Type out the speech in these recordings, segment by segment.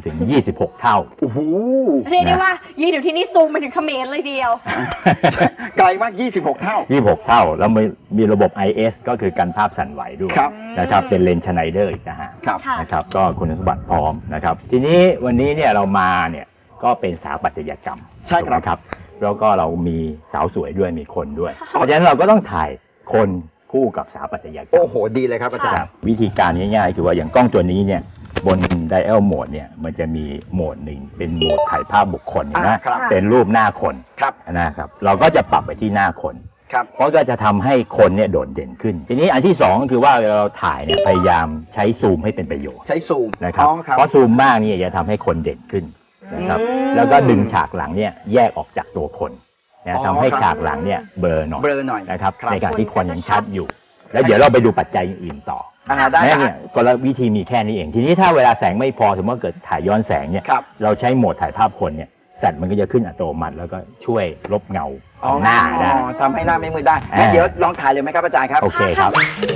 ถึง26เท่าโอ้โหเรียกได้ว่ายืนอยู่ที่นี่ซูมไปถึงเขมรเลยเดียวไกลมาก26เท่า 26เท่าแล้วมีระบบ IS ก็คือกันภาพสั่นไหวด้วยนะครับเป็นเลนส์ชไนเดอร์อีกนะฮะนะครับก็คุณสมบัติพร้อมนะครับทีนี้วันนี้เนี่ยเรามาเนี่ยก็เป็นสถาปัตยกรรมใช่ครับแล้วก็เรามีสาวสวยด้วยมีคนด้วยเพราะฉะนั้นเราก็ต้องถ่ายคนคู่กับสถาปัตยกรรมโอ้โหดีเลยครับอาจารย์วิธีการง่ายๆคือว่าอย่างกล้องตัวนี้เนี่ยบน Dial Mode เนี่ยมันจะมีโหมดหนึ่งเป็นโหมดถ่ายภาพบุคคลนะเป็นรูปหน้าคนนะครับเราก็จะปรับไปที่หน้าคนเพราะก็จะทำให้คนเนี่ยโดดเด่นขึ้นทีนี้อันที่สองก็คือว่าเราถ่ายเนี่ยพยายามใช้ซูมให้เป็นประโยชน์ใช้ซูมนะครับเพราะซูมมากนี่จะทำให้คนเด่นขึ้นนะครับแล้วก็ดึงฉากหลังเนี่ยแยกออกจากตัวคนนะทำให้ฉากหลังเนี่ยเบลอหน่อยนะครับในการที่คนยังชัดอยู่แล้วเดี๋ยวเราไปดูปัจจัยอื่นต่อได้เนี่ยกลวิธีมีแค่นี้เองทีนี้ถ้าเวลาแสงไม่พอสมมติว่าเกิดถ่ายย้อนแสงเนี่ยเราใช้โหมดถ่ายภาพคนเนี่ยแสงมันก็จะขึ้นอัตโนมัติแล้วก็ช่วยลบเงาของหน้าได้ทำให้หน้าไม่มืดได้งั้นเดี๋ยวลองถ่ายเลยไหมครับอาจารย์ครับโอเคครับ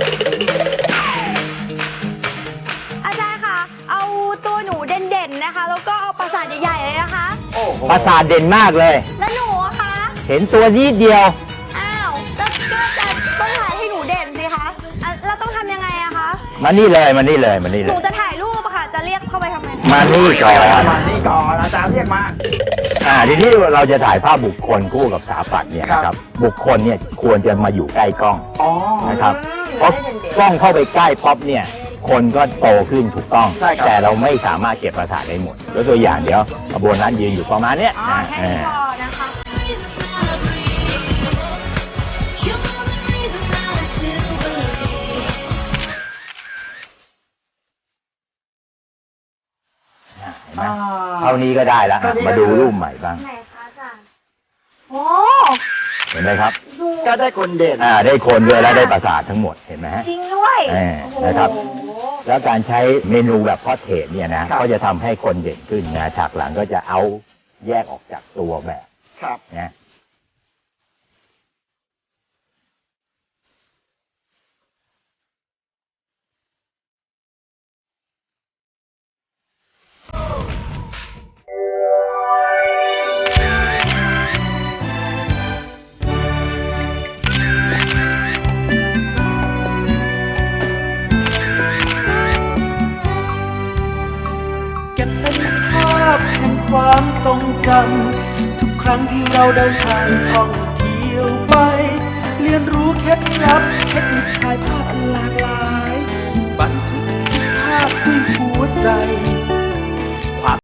อาจารย์คะเอาตัวหนูเด่นๆนะคะแล้วก็เอาปราสาทใหญ่ๆเลยนะคะปราสาทเด่นมากเลยแล้วหนูอะคะเห็นตัวนิดเดียวอ้าวก็จะต้องถ่ายให้หนูเด่นสิคะเราต้องทำยังไงอะคะมานี่เลยหนูจะถ่ายรูปอะค่ะจะเรียกเข้าไปทำไมมานี่ก่อนอาจารย์เรียกมาทีนี้เราจะถ่ายภาพบุคคลคู่กับสถาปัตย์เนี่ยนะครับบุคคลเนี่ยควรจะมาอยู่ใกล้กล้องนะครับเพราะกล้องเข้าไปใกล้ป๊อปเนี่ยคนก็โตขึ้นถูกต้องแต่เราไม่สามารถเก็บประสาทได้หมดแล้วตัวอย่างเดี๋ยวโบนัสยืนอยู่ประมาณเนี้ยแค่นี้พอนะคะเท่านี้ก็ได้แล้วมาดูรูปใหม่บ้างไหนคะอาจารย์โอ้เห็นไหมครับก็ได้คนเด่นได้คนด้วยแล้วได้ประสาททั้งหมดเห็นไหมฮะจริงด้วยนะครับแล้วการใช้เมนูแบบพอร์เทรตเนี่ยนะก็จะทำให้คนเด่นขึ้นนะฉากหลังก็จะเอาแยกออกจากตัวแบบนะความทรงจำทุกครั้งที่เราเดินทางท่องเที่ยวไปเรียนรู้เคล็ดลับเทคนิคถ่ายภาพหลากหลายบันทึกภาพด้วยหัวใจ